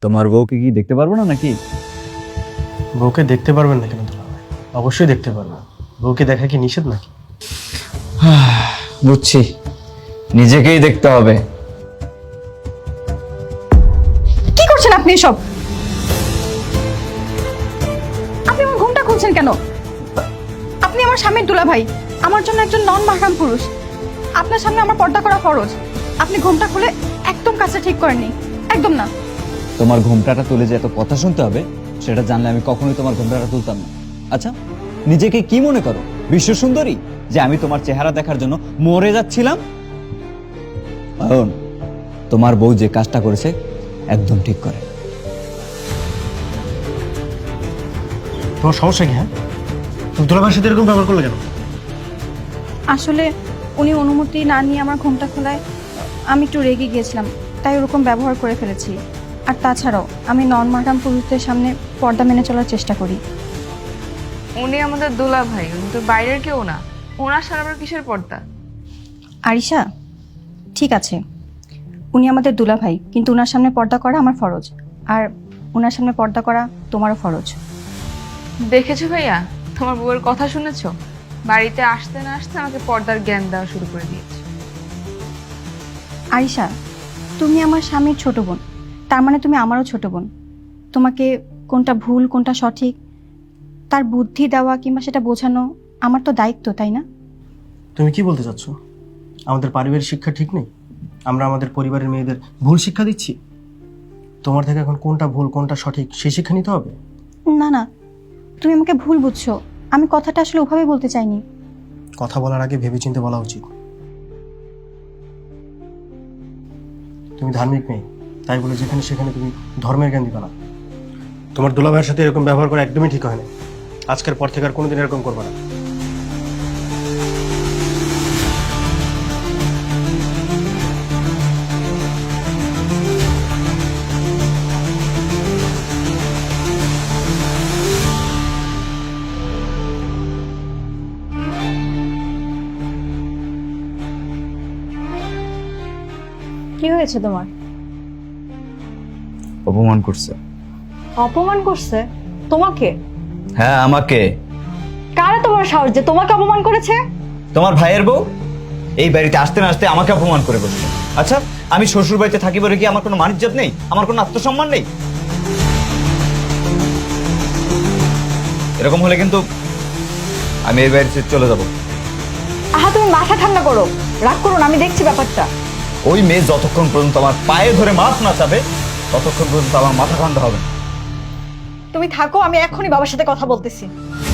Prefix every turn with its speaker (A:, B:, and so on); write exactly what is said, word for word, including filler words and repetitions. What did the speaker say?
A: তোমার বউকে কি দেখতে পারবো না নাকি?
B: বউকে দেখতে পারবেন না কেন দুলাভাই? অবশ্যই দেখতে পারবেন। বউকে দেখা কি নিষেধ নাকি?
A: বুঝছি, নিজেকেই দেখতে হবে।
C: কি করছেন আপনি এসব? আপনি আমার ঘুমটা খুলছেন কেন? আপনি আমার স্বামীর দুলাভাই, আমার জন্য একজন নন মাহরাম পুরুষ। আপনার সামনে আমার পর্দা করা ফরজ। আপনি ঘুমটা খুলে একদম কাজটা ঠিক করেননি, একদম না।
A: তোমার ঘোমটাটা তুলে যে এত কথা শুনতে হবে সেটা জানলে আমি কখনোই তোমার ঘোমটাটা তুলতাম না। আচ্ছা, নিজেকে কি মনে করো, বিশ্ব সুন্দরী, যে আমি তোমার চেহারা দেখার জন্য মরে যাচ্ছিলাম? অয়ন, তোমার বউ যে কাজটা করেছে একদম ঠিক করে।
B: তোমার সমস্যা কি? হ্যাঁ, তুমি দুলাভাইয়ের সাথে এরকম ব্যবহার করলে কেন?
C: আসলে উনি অনুমতি না নিয়ে আমার ঘুমটা খোলায় আমি একটু রেগে গিয়েছিলাম, তাই ওরকম ব্যবহার করে ফেলেছি। আর তাছাড়াও আমি নন মাহরাম পুরুষদের সামনে পর্দা মেনে চলার চেষ্টা করি।
D: উনি আমাদের দোলা ভাই, উনি তো বাইরের কেউ না। ওনার সারা আবার কিসের পর্দা?
C: আরিশা, ঠিক আছে, উনি আমাদের দুলাভাই, কিন্তু ওনার সামনে পর্দা করা আমার ফরজ, আর ওনার সামনে পর্দা করা তোমারও ফরজ।
D: দেখেছো ভাইয়া, তোমার বউয়ের কথা শুনেছো? বাড়িতে আসতে না আসতে আমাকে পর্দার জ্ঞান দেওয়া শুরু করে দিয়েছে।
C: আরিশা, তুমি আমার স্বামীর ছোট বোন, তার মানে তুমি আমারও ছোট বোন। তোমাকে কোনটা ভুল কোনটা সঠিক তার বুদ্ধি দেওয়া কিংবা সেটা বোঝানো আমার তো দায়িত্ব, তাই না?
B: তুমি কি বলতে চাচ্ছ? আমাদের পারিবারিক শিক্ষা ঠিক নেই? আমরা আমাদের পরিবারের মেয়েদের ভুল শিক্ষা দিচ্ছি? তোমার থেকে এখন কোনটা ভুল কোনটা সঠিক সেই শিক্ষা নিতে হবে?
C: না না, তুমি আমাকে ভুল বুঝছো। আমি কথাটা আসলে ওভাবে বলতে চাইনি।
B: কথা বলার আগে ভেবেচিন্তে বলা উচিত। তুমি ধার্মিক মেয়ে, তাই বলে যেখানে সেখানে তুমি ধর্মের জ্ঞান দিবে না। তোমার দুলাভাইয়ের সাথে এরকম ব্যবহার করা একদমই ঠিক হয় না। আজকের পর থেকে আর কোনোদিন এরকম করবে না।
C: কি হয়েছে তোমার?
A: অপমান করছে।
E: অপমান করছে? তোমাকে?
A: হ্যাঁ, আমাকে।
E: কারা তোমার সাহস যে তোমাকে অপমান করেছে?
A: তোমার ভাইয়ের বউ এই বাড়িতে আসতে না আসতে আমাকে অপমান করে বসছে। আচ্ছা, আমি শ্বশুর বাড়িতে থাকি বলে কি আমার কোনো মান-ইজ্জত নেই? আমার কোনো আত্মসম্মান নেই? এরকম হলে কিন্তু আমি এই বাড়ি ছেড়ে চলে যাব।
E: আহা, তুমি মাথা ঠান্ডা করো, রাগ করো না, আমি দেখছি ব্যাপারটা।
A: ওই মেয়ে যতক্ষণ পর্যন্ত আমার পায়ে ধরে মাছ না চাবে ততক্ষণ পর্যন্ত আমার মাথা ঠান্ডা হবে না।
E: তুমি থাকো, আমি এখনই বাবার সাথে কথা বলতেছি।